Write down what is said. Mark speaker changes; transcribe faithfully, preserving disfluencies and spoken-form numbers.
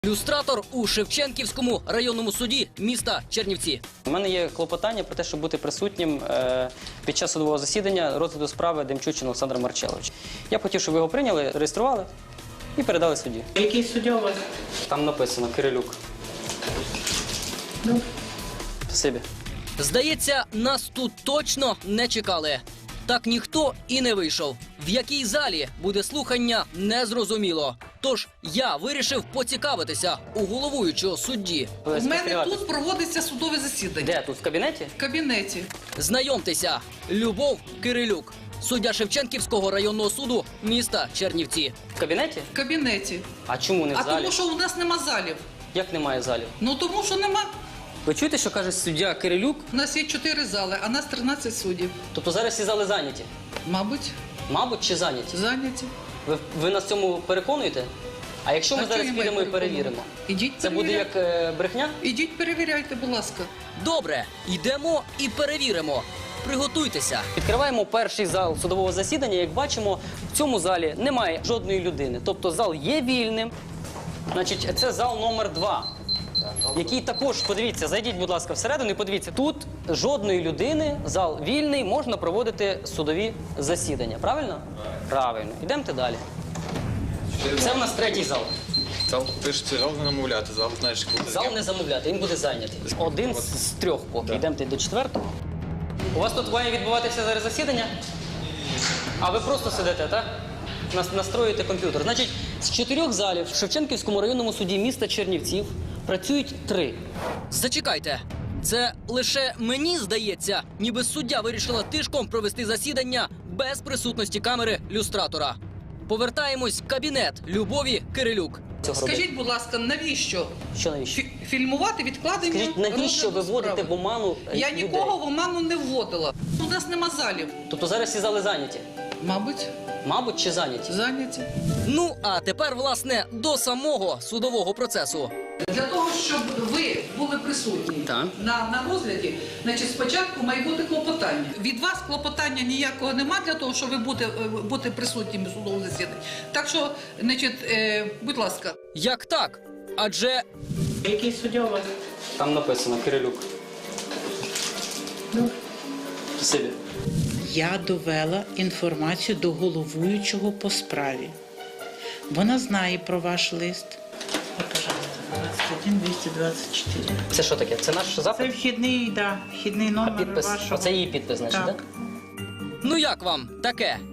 Speaker 1: Люстратор у Шевченківському районному суді міста Чернівці.
Speaker 2: У мене є клопотання про те, щоб бути присутнім е, під час судового засідання розгляду справи Демчучин Олександра Марчеловича. Я б хотів, щоб ви його прийняли, реєстрували і передали судді.
Speaker 3: Який суддя у вас?
Speaker 2: Там написано Кирилюк.
Speaker 3: Ну.
Speaker 2: Спасибі.
Speaker 1: Здається, нас тут точно не чекали. Так ніхто і не вийшов. В якій залі буде слухання, не зрозуміло. Тож я вирішив поцікавитися у головуючого судді.
Speaker 3: У мене тут проводиться судове засідання.
Speaker 2: Де? Тут в кабінеті?
Speaker 3: В кабінеті.
Speaker 1: Знайомтеся, Любов Кирилюк, суддя Шевченківського районного суду міста Чернівці.
Speaker 2: В кабінеті?
Speaker 3: В кабінеті.
Speaker 2: А чому не в
Speaker 3: А
Speaker 2: залі?
Speaker 3: тому, що у нас нема залів.
Speaker 2: Як немає залів?
Speaker 3: Ну тому, що нема.
Speaker 2: Ви чуєте, що каже суддя Кирилюк?
Speaker 3: У нас є чотири зали, а нас тринадцять суддів.
Speaker 2: Тобто зараз всі зали зайняті?
Speaker 3: Мабуть,
Speaker 2: Мабуть, чи зайняті?
Speaker 3: зайняті.
Speaker 2: Ви, ви нас в цьому переконуєте? А якщо ми
Speaker 3: А
Speaker 2: зараз
Speaker 3: чого я
Speaker 2: підемо і
Speaker 3: маю
Speaker 2: перевіримо?
Speaker 3: Ідіть
Speaker 2: Це буде
Speaker 3: перевіряйте.
Speaker 2: як е, брехня?
Speaker 3: Ідіть перевіряйте, будь ласка.
Speaker 1: Добре, йдемо і перевіримо. Приготуйтеся.
Speaker 2: Відкриваємо перший зал судового засідання. Як бачимо, в цьому залі немає жодної людини. Тобто зал є вільним. Значить, це зал номер два, який також, подивіться, зайдіть, будь ласка, всередину і подивіться. Тут жодної людини, зал вільний, можна проводити судові засідання. Правильно? Правильно. Йдемте далі. Це в нас третій зал.
Speaker 4: Зал, ти ж зал не намовляти, зал знаєш, коли
Speaker 2: Зал не замовляти, він буде зайнятий. Один з, з трьох поки. Йдемте до четвертого. У вас тут має відбуватися зараз засідання? А ви просто сидите, так? Нас настроюєте комп'ютер. Значить, з чотирьох залів в Шевченківському районному суді міста Чернівців працюють три.
Speaker 1: Зачекайте. Це лише мені здається, ніби суддя вирішила тишком провести засідання без присутності камери люстратора. Повертаємось в кабінет Любові Кирилюк.
Speaker 2: Цього робити.
Speaker 3: Скажіть, будь ласка, навіщо?
Speaker 2: Що навіщо?
Speaker 3: Фі- Фільмувати відкладення?
Speaker 2: Скажіть, навіщо ви
Speaker 3: розгляду
Speaker 2: вводите
Speaker 3: справи?
Speaker 2: в оману е,
Speaker 3: Я
Speaker 2: людей?
Speaker 3: нікого в оману не вводила. У нас нема залів.
Speaker 2: Тобто зараз всі зали зайняті?
Speaker 3: Мабуть,
Speaker 2: Мабуть, чи зайняті?
Speaker 3: зайняті.
Speaker 1: Ну, а тепер, власне, до самого судового процесу.
Speaker 3: Для того, щоб ви були присутні
Speaker 2: Так.
Speaker 3: на, на розгляді, значить, спочатку має бути клопотання. Від вас клопотання ніякого нема для того, щоб ви бути, бути присутніми в судовому засіданні. Так що, значить, е, будь ласка.
Speaker 1: Як так? Адже
Speaker 3: Який суддя у вас?
Speaker 2: Там написано Кирилюк.
Speaker 3: Ну.
Speaker 2: Спасибі.
Speaker 5: Я довела інформацію до головуючого по справі. Вона знає про ваш лист. От, пожалуйста, двадцять один двісті двадцять чотири.
Speaker 2: Це що таке? Це наш
Speaker 5: Це
Speaker 2: запит?
Speaker 5: вхідний, да, вхідний
Speaker 2: А
Speaker 5: номер
Speaker 2: підпис?
Speaker 5: вашого.
Speaker 2: Оце її підпис, значить, так?
Speaker 5: Так.
Speaker 1: ну як вам таке?